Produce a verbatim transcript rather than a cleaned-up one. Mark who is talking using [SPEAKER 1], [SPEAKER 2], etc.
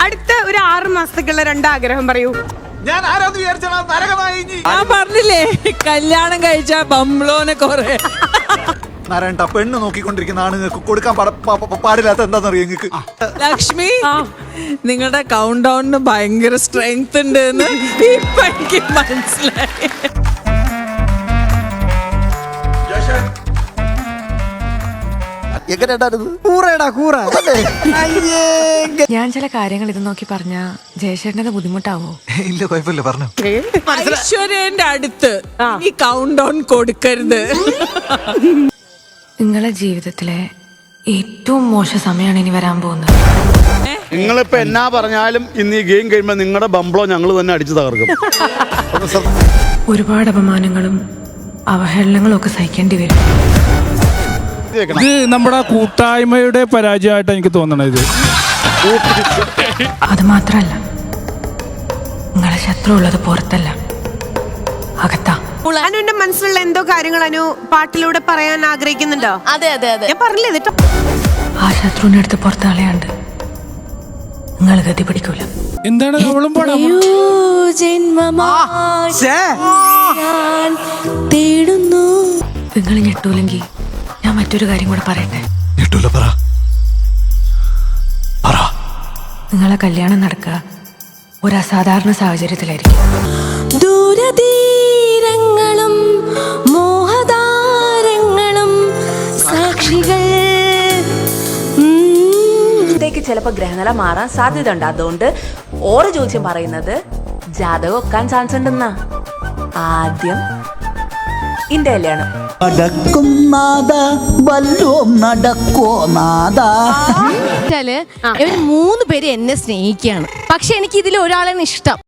[SPEAKER 1] അടുത്ത ഒരു ആറ് മാസത്തേക്കുള്ള രണ്ടാഗ്രഹം പറയൂ.
[SPEAKER 2] ഞാൻ ആരാന്ന് വിചാരിച്ചാ നരകമായി.
[SPEAKER 3] ഞാൻ പറഞ്ഞില്ലേ കല്യാണം കഴിച്ച ബംബ്ലോനെ കൊറേ.
[SPEAKER 2] നാരായണ പെണ്ണ് നോക്കിക്കൊണ്ടിരിക്കുന്ന ആണുങ്ങൾക്ക് കൊടുക്കാൻ പാടില്ലാത്ത എന്താണെന്നറിയോ നിങ്ങൾക്ക്?
[SPEAKER 3] ലക്ഷ്മി, നിങ്ങളുടെ കൗണ്ട് ഡൗണിന് ഭയങ്കര സ്ട്രെങ്ത് ഉണ്ട് എന്ന് ഇപ്പൊ എനിക്ക് മനസ്സിലായി.
[SPEAKER 4] ഞാൻ ചില കാര്യങ്ങൾ ഇത് നോക്കി പറഞ്ഞ ജയശേഖരന്റെ ബുദ്ധിമുട്ടാവോ?
[SPEAKER 2] ഇല്ല, കുഴപ്പമില്ല, പറഞ്ഞു.
[SPEAKER 3] ഐശ്വര്യന്റെ അടുത്ത് ഈ കൗണ്ട് ഡൗൺ കൊടുക്കരുത്.
[SPEAKER 4] നിങ്ങളെ ജീവിതത്തിലെ ഏറ്റവും മോശം സമയമാണ് ഇനി വരാൻ പോകുന്നത്.
[SPEAKER 5] നിങ്ങളിപ്പോ എന്നാ പറഞ്ഞാലും ഇന്ന് ഈ ഗെയിം കഴിയുമ്പോ നിങ്ങളുടെ ബംബ്ലോ ഞങ്ങൾ തന്നെ അടിച്ചു തകർക്കും.
[SPEAKER 4] ഒരുപാട് അപമാനങ്ങളും അവഹേളനങ്ങളും ഒക്കെ സഹിക്കേണ്ടി വരും.
[SPEAKER 6] ഇത് നമ്മുടെ കൂട്ടായ്മയുടെ പരാജയമായിട്ട് എനിക്ക് തോന്നണത്.
[SPEAKER 4] അത് മാത്രല്ല, നിങ്ങളെ ശത്രു ഉള്ളത് പുറത്തല്ല, അകത്താ.
[SPEAKER 1] അനുവിന്റെ മനസ്സിലുള്ള എന്തോ കാര്യങ്ങൾ അനു പാട്ടിലൂടെ പറയാൻ ആഗ്രഹിക്കുന്നുണ്ടോ?
[SPEAKER 7] അതെ അതെ അതെ
[SPEAKER 1] ഞാൻ പറഞ്ഞില്ലേ കേട്ടോ.
[SPEAKER 4] ആ ശത്രുവിന്റെ അടുത്ത് പുറത്ത് കളയാണ്ട് നിങ്ങൾ ഗതി പിടിക്കൂല.
[SPEAKER 6] എന്താണ് അവളും പാടാ?
[SPEAKER 4] നിങ്ങൾ ഞെട്ടൂലെങ്കിൽ ഞാൻ മറ്റൊരു കാര്യം കൂടെ പറയട്ടെ. നിങ്ങളെ കല്യാണം നടക്കുക ഒരു അസാധാരണ സാഹചര്യത്തിലായിരിക്കും. ദൂരതീരങ്ങളും മോഹതാരങ്ങളും സാക്ഷികൾ.
[SPEAKER 7] ചിലപ്പോ ഗ്രഹനില മാറാൻ സാധ്യത ഉണ്ട്. അതുകൊണ്ട് ഓരോ ജ്യോത്സ്യം പറയുന്നത് ജാതകം ഒക്കാൻ ചാൻസ് ഉണ്ടെന്നാ. ആദ്യം ഇന്റെ കല്യാണം
[SPEAKER 8] നടക്കും നാദ വല്ലോം നടക്കോ നാദ.
[SPEAKER 9] ഇവര് മൂന്ന് പേര് എന്നെ സ്നേഹിക്കുകയാണ്, പക്ഷെ എനിക്ക് ഇതിൽ ഒരാളാണ് ഇഷ്ടം.